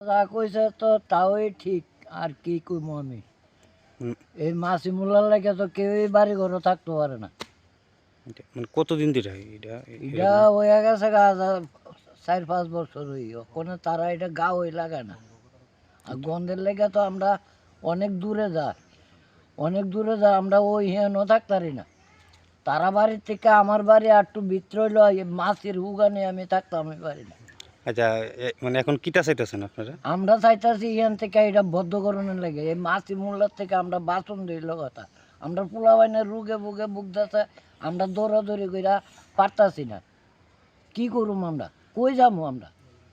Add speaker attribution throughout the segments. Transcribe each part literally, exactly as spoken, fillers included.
Speaker 1: যা কইছে তো তাওই ঠিক, আর কি কইমু আমি।
Speaker 2: হুম,
Speaker 1: এই মাছি মুলার লাগে তো কেউই বাড়ি ঘরে থাকতে পারে না।
Speaker 2: এটা মানে কতদিন ধরে এটা
Speaker 1: এটা
Speaker 2: এরকম?
Speaker 1: হয়ে গেছে গা যা- চার পাঁচ বছর হই ওখানে তারা এটা গা হই লাগায় না। আর গন্ধের লেগে তো আমরা অনেক দূরে যা অনেক দূরে যা আমরা ওই হেন থাকতারি না। তারা বাড়ির থেকে আমার বাড়ি আর একটু ভিতর হইলো মাছের হুগানে আমি থাকতাম আমি পারি না।
Speaker 2: আচ্ছা, এ- মানে এখন কিটা চাইতেছেন আপনারা?
Speaker 1: আমরা চাইতাছি এখান থেকে এটা বদ্ধকরণের লাগে এই মাছি মূল্যার থেকে আমরা বাঁচন দিল কথা। আমরা পোলা বাইনের রুগে বুগে বুকদাছে, আমরা দৌড়াদৌড়ি কইরা পারতাছি না। কি করুম আমরা, কই যাবো আমরা?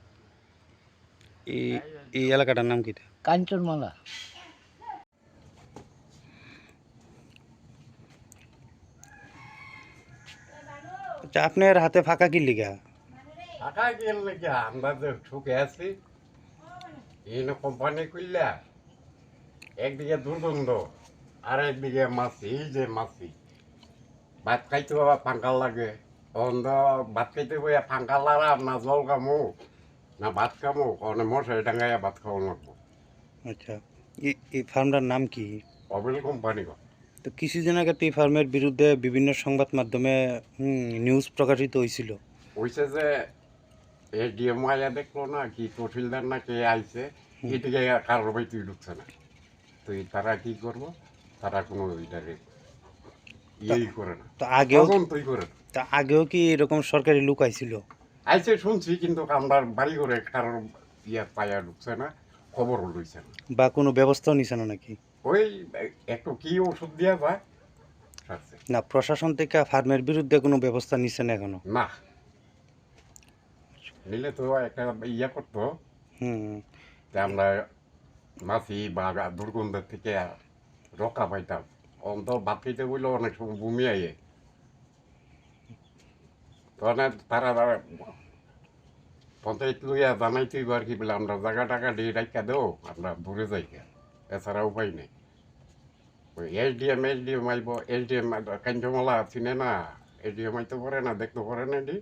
Speaker 2: এই এই এলাকাটার নাম কিটা?
Speaker 1: কাঞ্চনমালা।
Speaker 2: আচ্ছা, আপনার হাতে ফাঁকা কি লিগা?
Speaker 3: টাকা গেলে কি আমরা যে ঠুকে আছি এই কোম্পানি করলে একদিকে দুর্গন্ধ আর একদিকে মাছি, এই যে মাছি ভাত খাইতে বাবা ফাঙ্কাল লাগে অন্ধ ভাত খাইতে বইয়া ফাঙ্কাল লারা না জল কামু না ভাত খামু অনেক মশারি ডাঙ্গাইয়া ভাত খাওয়া লাগবো।
Speaker 2: আচ্ছা, এই এই ফার্মটার নাম কি?
Speaker 3: অবিল কোম্পানি গো।
Speaker 2: তো কিছুদিন আগে তো এই ফার্মের বিরুদ্ধে বিভিন্ন সংবাদ মাধ্যমে হুম, নিউজ প্রকাশিত হয়েছিল।
Speaker 3: হয়েছে যে এ ডিএম আইয়া দেখলো না কি তহসিলদার না কে আইছে এদিকে কারোর বাই তুই ঢুকছে না, তো এই তারা কি করবো, তারা কোনো ওইটারে ইয়েই করে না,
Speaker 2: তো আগেও কি-
Speaker 3: তদন্তই করে না।
Speaker 2: তা আগেও কি এরকম সরকারি লোক আইছিল?
Speaker 3: আইসে শুনছি কিন্তু আমরা বাড়ি করে কারোর ইয়া পায়া ঢুকছে না, খবরও লইছে না।
Speaker 2: বা কোনো ব্যবস্থাও নিছে না নাকি?
Speaker 3: ওই একটু কি ওষুধ দিয়া যায় সারছে।
Speaker 2: না, প্রশাসন থেকে ফার্মের বিরুদ্ধে কোনো ব্যবস্থা নিছে না এখনো?
Speaker 3: না নিলে তো একটা ইয়া করতো
Speaker 2: হুম।
Speaker 3: যে আমরা মাছি বা দুর্গন্ধের থেকে রক্ষা পাইতাম। অন্ত ভাত খাইতে বললে অনেক সময় বমি আইয়ে, তখন তারা পঞ্চায়েত লইয়া জানাইতেই আর কি বলে আমরা জায়গা টাকা দিয়ে রাখা দেও, আমরা দূরে যাই গা। এছাড়া উপায় নেই। ওই এসডিএম এসডিএম আইব, এসডিএম কাঞ্চমালা চিনে না, এসডিএম আইতে পারে না, দেখতে পারে না এটি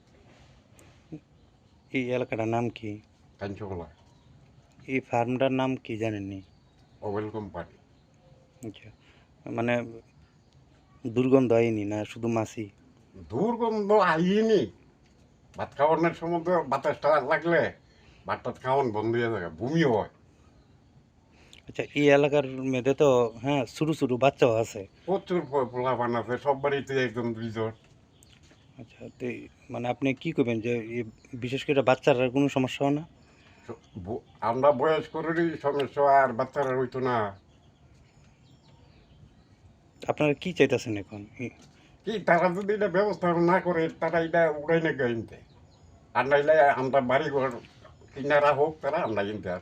Speaker 2: এই এলাকাটার নাম কি?
Speaker 3: কাঞ্চমালা
Speaker 2: এই ফার্মটার নাম কি জানেননি?
Speaker 3: Well company.
Speaker 2: আচ্ছা, মানে দুর্গন্ধ হয়নি না শুধু মাছি?
Speaker 3: দুর্গন্ধ আইনি, ভাত খাওয়ানোর সময় তো বাতাসটা লাগলে ভাত টাত খাওয়ান বন্ধ হয়ে যায়, বমিও হয়।
Speaker 2: আচ্ছা, এই এলাকার মেয়েদের তো হ্যাঁ ছোটো ছোটো বাচ্চাও আছে।
Speaker 3: প্রচুর পোলা পান আছে, সব বাড়িতে একজন দুইজন।
Speaker 2: আচ্ছা, তো এই- মানে আপনি কি করবেন যে এই বিশেষ করে বাচ্চারা কোনো সমস্যা হয় না?
Speaker 3: ব- আমরা বয়স করেরই সমস্যা, আর বাচ্চারা হইতো না।
Speaker 2: আপনারা কি চাইতেছেন এখন? এই-
Speaker 3: কি তারা যদি এটা ব্যবস্থা না করে তারা এটা উড়াই না গাইনতে, আর নাইলে আমরা বাড়ি ঘর কিনারা হোক তারা আমরা কিনতে